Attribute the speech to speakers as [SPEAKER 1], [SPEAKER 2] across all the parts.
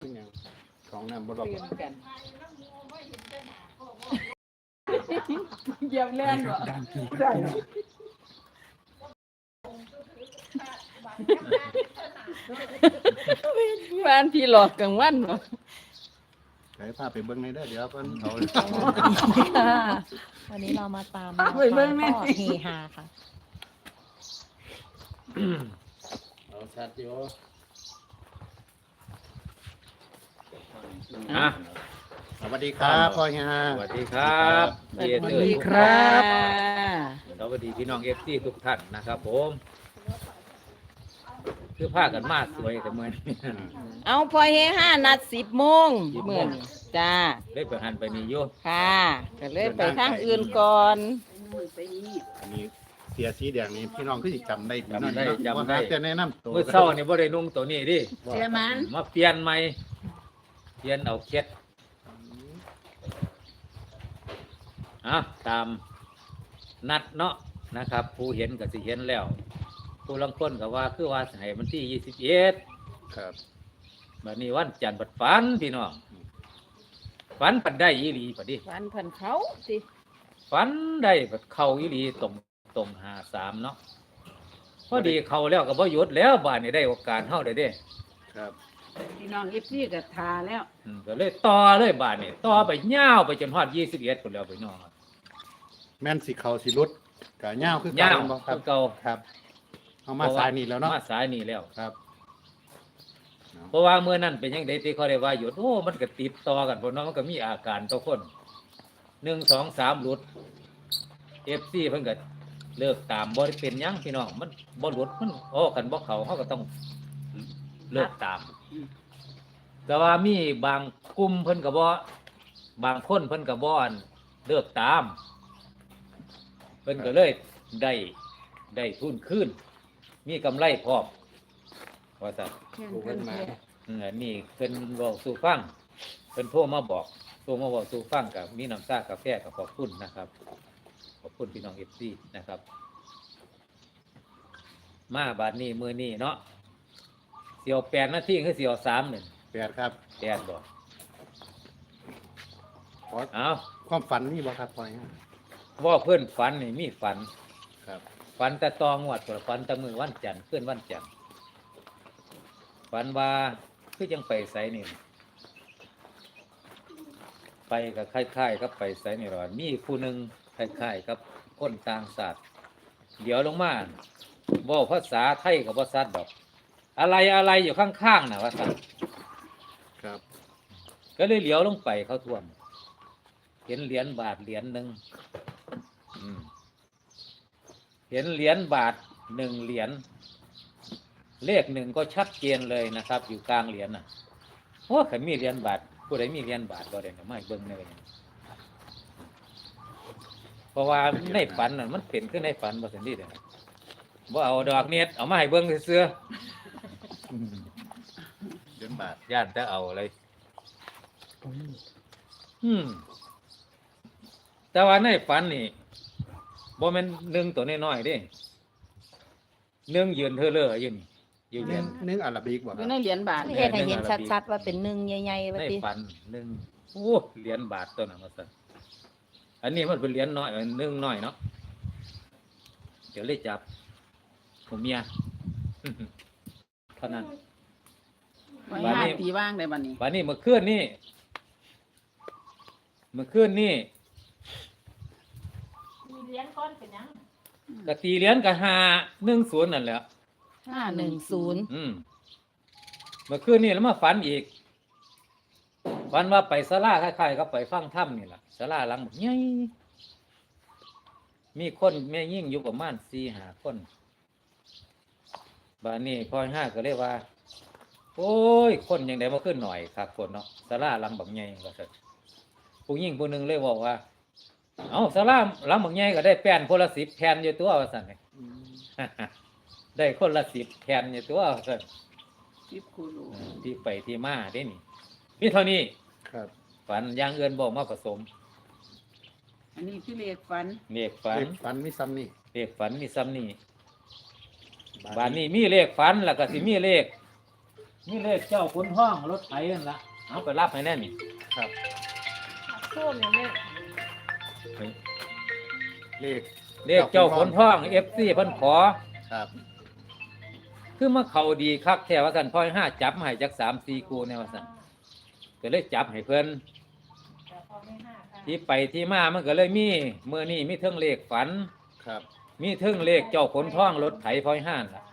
[SPEAKER 1] เป็นหยังของน้ำบ่รอบ
[SPEAKER 2] เปลี่ยนกันเหยียบแล่นบ่ได้บ้านพี่หลอกกลางวันบ่
[SPEAKER 1] ใครพาไปเบิ่งในเด้อเดี๋ยวเพิ่นเอา
[SPEAKER 3] ค่ะวันนี้เรามาตามพ่อเฮฮาค่ะ
[SPEAKER 1] เอาชัดอยู่
[SPEAKER 4] อ่ะ
[SPEAKER 1] สวัสดีครับพ่อฮะ
[SPEAKER 4] สวัสดีครับ
[SPEAKER 2] สวัสดีครับ
[SPEAKER 4] สวัสดีพี่น้องเอฟซีทุกท่านนะครับผมคือผ้ากันมาสวยแต่เมื่อนี้
[SPEAKER 2] เอาพอเฮ5นัด10 โมงมื้อนี้จ้า
[SPEAKER 4] ได้ไปหันไปนี่อยู่
[SPEAKER 2] ค่ะก็เลยไปทางอื่นก่อน
[SPEAKER 1] อันนี้เสียสีแดงนี่พี่น้องคือสิจำได้
[SPEAKER 4] จำได้จำได้
[SPEAKER 1] จะแนะนำตัว
[SPEAKER 4] เมื่อเช้านี่บ่ได้นุ่งตัวนี้ดิ
[SPEAKER 2] เสียมัน
[SPEAKER 4] มาเปลี่ยนใหม่เปลี่ยนเอาเคล็ดตามนัดเนาะนะครับ ผู้เห็นก็สิเห็นแล้ว ผู้ลังคนก็ว่าคือว่าให้มันที่21
[SPEAKER 1] ครับ
[SPEAKER 4] บัดนี้วันจันทร์บัดฝันพี่น้องฝันปันได้อีหลีปัดดิ
[SPEAKER 2] วันเพิ่นเขาสิ
[SPEAKER 4] ฝันได้บัดเข้าอีหลีตรง53เนาะพอดีเข้าแล้วก็บ่หยุดแล้วบ้านนี้ได้โอกาสเฮาได้เด้
[SPEAKER 1] ครับ
[SPEAKER 2] พี่น้อง FC ก็ทาแล้ว
[SPEAKER 4] ก็เลยต่อเลยบ้านนี้ต่อไปยาวไปจนฮอด21พุ่นแล้วพี่น้อง
[SPEAKER 1] แม่นสิเขาสิรุดกะย่าวคือเก่
[SPEAKER 4] ยาว
[SPEAKER 1] บ่ครั
[SPEAKER 4] คื
[SPEAKER 1] บ
[SPEAKER 4] อเก่า
[SPEAKER 1] ครับเอามาสายนี่แล้วเนาะ
[SPEAKER 4] มาสายนี่แล้ว
[SPEAKER 1] ครับ
[SPEAKER 4] เพราะว่าเมื่อนั้นเป็นยังไงที่เขาได้ว่าหยุดโอ้มันก็ติดต่อกันพวกน้องมันก็มีอาการต่อคน1 2 3หลุด FC เพิ่นก็เลิกตามบ่ได้เป็นหยังพี่น้องมันบ่หลุดมันกันบ่เข้าเฮาก็ต้องเลิกตาม แต่ว่ามีบางกลุ่มเพิ่นก็บ่บางคนเพิ่นก็บ่อันเลิกตามเพิ่นก็เลยได้ทุนคืนมีกำไรพร้อมว่าซั่น
[SPEAKER 1] ผู้เพิ่นมา
[SPEAKER 4] นี่เพิ่นบอกสู่ฟังเพิ่นโทรมาบอกสู่ฟังกับมีน้ำชากาแฟกับขอบคุณนะครับขอบคุณพี่น้อง FC นะครับมาบาดนี้มื้อนี้เนาะเสียว8นาทีคือเสียว3นี่
[SPEAKER 1] 8ครับ
[SPEAKER 4] 8บ่
[SPEAKER 1] ขอ
[SPEAKER 4] เอา
[SPEAKER 1] ความฝันนี่บ่ครับพ่อฮะ
[SPEAKER 4] ว่าเพิ่นฝันนี่มีฝัน
[SPEAKER 1] ครับ
[SPEAKER 4] ฝันแต่ตองวดฝันแต่มื้อวันจันทร์คืนวันจันทร์ฝันว่าคือจังไปไสนี่ไปกับคล้ายๆกับไปไสนี่หรอมีผู้หนึงคล้ายๆกับคนต่างชาติเดี๋ยวลงมาเว้าภาษาไทยก็บ่ชัดดอก อะไรอยู่ข้างๆน่ะว่าซั่น
[SPEAKER 1] ครับ
[SPEAKER 4] ก็เลยเหลียวลงไปเขาท่วมเห็นเหรียญบาทเหรียญหนึ่งเห็นเหรียญบาท1 เหรียญเลข1ก็ชัดเจนเลยนะครับ อยู่กลางเหรียญน่ะโอ้ใครมีเหรียญบาทผู้ใดมีเหรียญบาทบ่ได้น่ะไม่เบิ่งเลยเพราะว่าในฝันน่ะมันเป็นขึ้นในฝันบ่ซั่นดีเด้อบ่เอาดอกเน็ตเอามาให้เบิ่งซื่อ
[SPEAKER 1] เดือนบาท
[SPEAKER 4] ๆย่านแต่เอาอะไรแต่ว่าในฝันนี่บ่แม่น1ตัวน้อยๆเด้1ยืนเธอเลออยู่นี่อยู่เหรียญ
[SPEAKER 1] นึ่งอาราบิกบ่
[SPEAKER 2] อ
[SPEAKER 1] ครั
[SPEAKER 2] ยู่
[SPEAKER 1] บ
[SPEAKER 2] ในเหรียญบาท
[SPEAKER 3] เฮ็ดให้เห็นชัดๆว่าเป็นหนึ่งใหญ่ๆว่า
[SPEAKER 4] ใน
[SPEAKER 3] ติ
[SPEAKER 4] ฝัน1โอ้เหรียญบาทตัวนั้นว่าซั่นอันนี้มันเป็นเหรียญน้อย1น้อยเนาะเดี๋ยวเลยจับผมเมีย เท่านั้น
[SPEAKER 2] ไว้
[SPEAKER 4] บัดนี้
[SPEAKER 2] 5 ปีว่างได้บัดนี้
[SPEAKER 4] วันนี้เมื่อคืนนี่กะตีเหรียญกะ510นั่นแหละ
[SPEAKER 2] 510
[SPEAKER 4] เมื่อคืนนี่แล้วมาฝันอีกฝันว่าไปศาลาคล้ายๆกับไปฟังธรรมนี่ล่ะศาลาหลังบักใหญ่มีคนแม่ยิ่งอยู่ประมาณ4-5 คนบัดนี้พอย5ก็เลยว่า โอ้ยคนยังได้มาขึ้นหน่อยครับคนเนาะศาลาหลังบักใหญ่ว่าซั่นผู้หญิงผู้หนึงเลยบอกว่าเอาศาลาหลังบักใหญ่ก็ได้แป้นคนละ10แผ่นอยู่ตัวว่าซั่น ได้คนละ10แผ่นอยู่ตัวว่าซั่น
[SPEAKER 2] 10คูรู
[SPEAKER 4] ที่ไปที่มาเด้นี่มีเท่านี้
[SPEAKER 1] ครับ
[SPEAKER 4] ฝันอย่างอื่นบอกมาผสม
[SPEAKER 2] อันนี้คือเลขฝัน
[SPEAKER 4] เลขฝัน
[SPEAKER 1] เลขฝันมีซ้ำนี่
[SPEAKER 4] เลขฝันมีซ้ำนี่บานนี้มีเลขฝันแล้วก็สิมีเลขนี่เลขเจ้าขุนห้องรถไถนั่นละเอาไปรับให้แน่นี่
[SPEAKER 1] ครับ
[SPEAKER 3] ส้มเนี่ยแม่
[SPEAKER 1] เลข
[SPEAKER 4] เลขเจ้าขุนห้องFC เพิ่นขอ
[SPEAKER 1] ครับ
[SPEAKER 4] คือมาเข้าดีคักแท้ว่าซั่นพ่อย5จับมาให้จัก3-4คู่แน่ว่าซั่นก็เลยจับให้เพิ่นที่ไปที่มามันก็เลยมีมื้อนี้มีเทิงเลขฝัน
[SPEAKER 1] ครับ
[SPEAKER 4] มีเทิงเลขเจ้าขุนห้องรถไถพ่อย5ล่ะ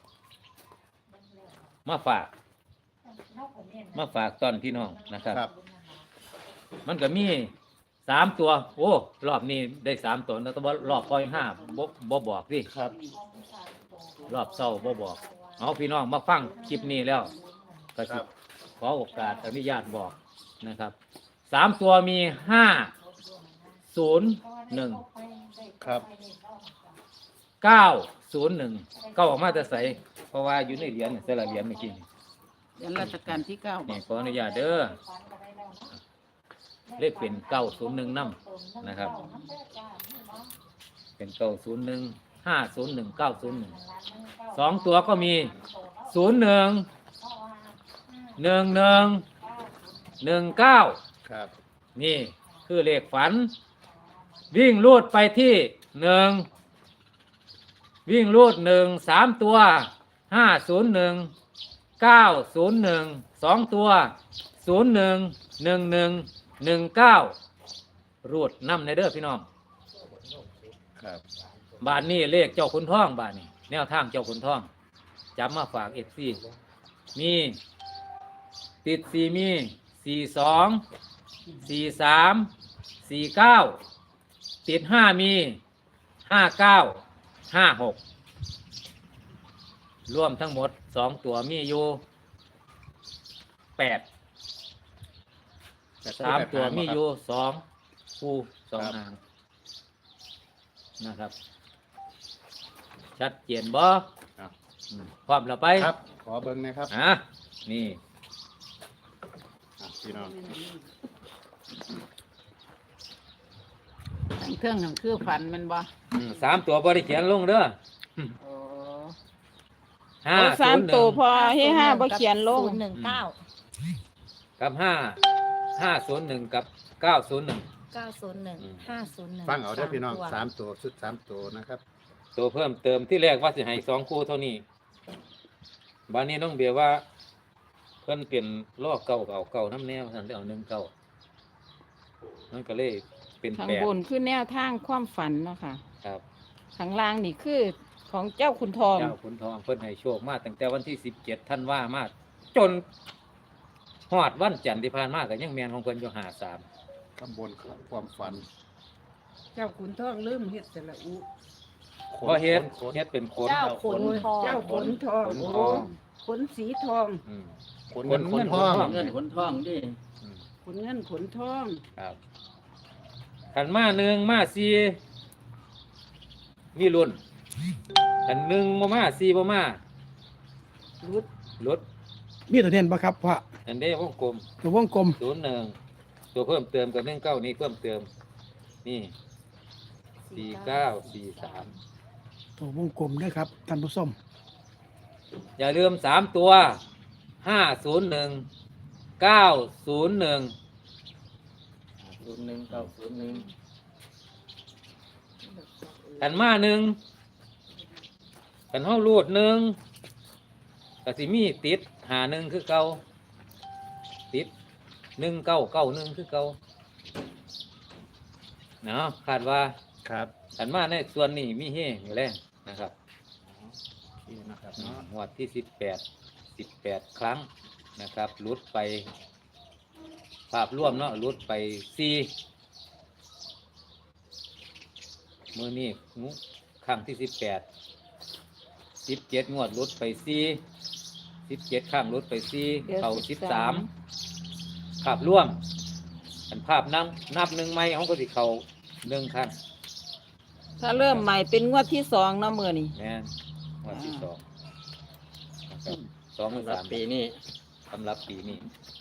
[SPEAKER 4] มาฝากตอนพี่น้องนะครับ
[SPEAKER 1] ครับ
[SPEAKER 4] มันก็มี3ตัวโอ้รอบนี้ได้3ตัวแล้วแต่ว่ารอบพ่อย5บ่บอกดิ
[SPEAKER 1] ครับ
[SPEAKER 4] รอบเศร้าบ่บอกเอาพี่น้องมาฟังคลิปนี้แล้วก็
[SPEAKER 1] ค
[SPEAKER 4] สิ
[SPEAKER 1] รับ
[SPEAKER 4] ขอโอกาสอนุญาตบอกนะครับ3ตัวมี501
[SPEAKER 1] ครับ
[SPEAKER 4] 901 ก็ออกมาแต่ใสเพราะว่าอยู่ในเหรียญแต่ละเหรียญเมื่อกี้นี่
[SPEAKER 2] เดือนราชการที่9
[SPEAKER 4] นี่ขออนุญาตเด้อเลขเป็น901นำนะครับเป็น901 501 901 2ตัวก็มี01 11 19
[SPEAKER 1] ครับ
[SPEAKER 4] นี่คือเลขฝัน วิ่งลูดไปที่1วิ่งลูด1 3ตัว501 901 2ตัว01 11 19รูดน้ำในเด้อพี่น้อง
[SPEAKER 1] ครับ
[SPEAKER 4] บาทนี้เลขเจ้าขุนทองบาทนี้แนวทางเจ้าขุนทองจำมาฝากFCมีติด4มี42 43 49ติด5มี59 56รวมทั้งหมด2ตัวมีอยู่8 3ตัวมีอยู่2คู่2หางนะครับชัดเจนบ่
[SPEAKER 1] ครับ
[SPEAKER 4] พร้อมแล้วไป
[SPEAKER 1] ครับ ขอเบิ้งนะครับ
[SPEAKER 4] นี่
[SPEAKER 1] พี่น้อง
[SPEAKER 2] ทั้งเครื่องทั้งคือฝันแมันบ่
[SPEAKER 4] 3ตัวบ่ได้เขียนลงเด้อ
[SPEAKER 2] โอ้
[SPEAKER 4] ห้า
[SPEAKER 2] เอาสาม
[SPEAKER 4] 0 1
[SPEAKER 2] ตัวพอให้5บ่เขียนลง
[SPEAKER 3] 019
[SPEAKER 4] กับ501กับ901
[SPEAKER 3] 901 501
[SPEAKER 1] ฟังเอาเด้อพี่น้อง
[SPEAKER 3] ตัว
[SPEAKER 1] 3 ตัวชุด3 ตัวนะครับ
[SPEAKER 4] ตัวเพิ่มเติมที่แรกว่าสิให้2คู่เท่านี้บัดนี้น้องเบียร์ว่าเพิ่นเปลี่ยนล้อเก่าน้ำแนวซั่นได้เอา19มันก็เลยเป็น
[SPEAKER 2] ข้าง
[SPEAKER 4] 8
[SPEAKER 2] บนคือแนวทางความฝันเนาะค่ะ
[SPEAKER 4] ครับ
[SPEAKER 2] ข้างล่างนี่คือของเจ้าคุณทอง
[SPEAKER 4] เจ้าขุนทองเพิ่นให้โชคมาตั้งแต่วันที่17ธันวามาจนฮอดวันจันทร์ที่ผ่านมาก็ยังแม่นของเพิ่นอยู่53
[SPEAKER 1] ข้างบนความฝัน
[SPEAKER 2] เจ้าคุณทองลืมเฮ็ดแต่ละอุ
[SPEAKER 4] พอเฮ็ด
[SPEAKER 1] ขน
[SPEAKER 4] เฮ็ดเป็นขน
[SPEAKER 3] เจ้าขนทอง
[SPEAKER 2] เจ้าขนทอง
[SPEAKER 4] ขน
[SPEAKER 2] โอ้
[SPEAKER 4] ทอง
[SPEAKER 2] ขนสีทอง
[SPEAKER 4] อืม
[SPEAKER 1] ขนเงินขนทอง
[SPEAKER 4] เงินขนทองดิ
[SPEAKER 2] ขนเงินขนทอง
[SPEAKER 4] ครับขันมา1มา4มีรุ่นขัน1บ่มา4บ่มา
[SPEAKER 2] รุด
[SPEAKER 4] ลด
[SPEAKER 5] มีตัวเด่นปะครับพ่อ
[SPEAKER 4] อันนี้วงกลม
[SPEAKER 5] ตัววงกลม
[SPEAKER 4] 01ตัวเพิ่มเติมกับ19นี่เพิ่มเติมนี่4943
[SPEAKER 5] ตัววงกลมด้วยครับท่านผู้ชม
[SPEAKER 4] อย่าลืม3ตัว501 901 ขันมา1ขันเฮารูด1ก็สิมีติด51คือเก่าติด1991คือเก่าเนาะคาดว่า
[SPEAKER 1] ครับ
[SPEAKER 4] ขันมาในส่วนนี้มีเฮอยู่แล้วนะครับ
[SPEAKER 1] นี่นะครับเนาะ
[SPEAKER 4] งวดที่18ครั้งนะครับหลุดไปภาพร่วมเนาะหลุดไป4มื้อนี้ครั้งที่17งวดหลุดไป17ครั้งหลุดไป4เข้า13ภาพร่วมอันภาพนับ1ใหม่ของก็สิเข้า1ครั้ง
[SPEAKER 2] ถ้าเริ่มใหม่เป็นงวดที่2เนาะมื้อนี้
[SPEAKER 4] แม่นงวดที่2นะครับ2หรือ3ปีนี้สำหรับปีนี้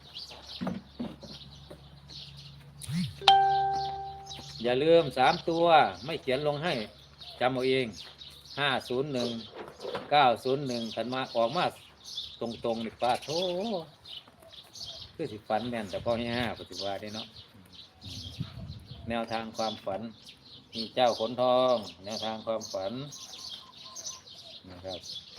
[SPEAKER 4] อย่าลืม3ตัวไม่เขียนลงให้จำเอาเอง501 901ขันมาออกมาตรงๆนี่ป้าโธ่คือสิฝันแม่นแต่พ่อห้าปฏิวัติได้เนาะแนวทางความฝัน มีเจ้าขนทอง แนวทางความฝันนะครับ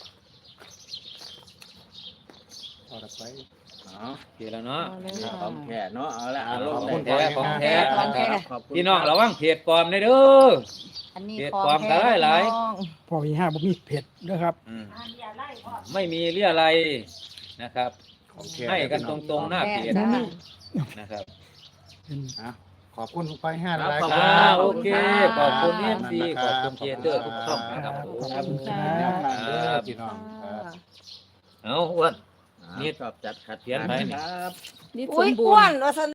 [SPEAKER 1] เอาละไปเอา
[SPEAKER 4] โอเคแล้วเนาะ
[SPEAKER 2] เอาเลย
[SPEAKER 1] ข
[SPEAKER 2] ค่ะ
[SPEAKER 1] องแท้เนาะเอาละล
[SPEAKER 4] ของ
[SPEAKER 1] ได้
[SPEAKER 4] แท้ของแท้
[SPEAKER 1] ขอบคุณ
[SPEAKER 4] พี่น้องระวังเพจปลอมได้เด้อ
[SPEAKER 2] อันนี้
[SPEAKER 4] เฮ็ด
[SPEAKER 2] ของ
[SPEAKER 4] ความ
[SPEAKER 2] แท้
[SPEAKER 4] หลาย
[SPEAKER 2] พี่น้อง
[SPEAKER 5] พ่อมีห้าบ่มีเผ็ดนะครับ
[SPEAKER 4] อืมไม่มีเรี่ยอะไรนะครับ
[SPEAKER 1] ของแท้
[SPEAKER 4] ให้กันตรงๆหน้าเพจ
[SPEAKER 2] จ้า
[SPEAKER 4] นะครับ
[SPEAKER 1] อ่ะขอบคุณไปห้า
[SPEAKER 4] ครับ
[SPEAKER 1] ราย
[SPEAKER 4] ขอบ
[SPEAKER 1] ค
[SPEAKER 4] คุณ
[SPEAKER 1] รับ
[SPEAKER 4] โอเคขอบคุณ
[SPEAKER 1] รั
[SPEAKER 4] เอ็มซีขอบคุณเจเตอร์ทุกช่องนะครับ
[SPEAKER 5] ขอบคุณครับ
[SPEAKER 1] แนวทางเด้อพี่น้องครับ
[SPEAKER 4] เอาอ้วน
[SPEAKER 1] นี่ชอบจัดขัด
[SPEAKER 4] เขียนไปนี่
[SPEAKER 1] ครับ
[SPEAKER 2] นี่ส
[SPEAKER 3] อุ้
[SPEAKER 2] ม
[SPEAKER 3] ย
[SPEAKER 2] บู
[SPEAKER 3] อ้ว
[SPEAKER 2] ร
[SPEAKER 3] น
[SPEAKER 2] ณ์
[SPEAKER 3] ว่าซั่น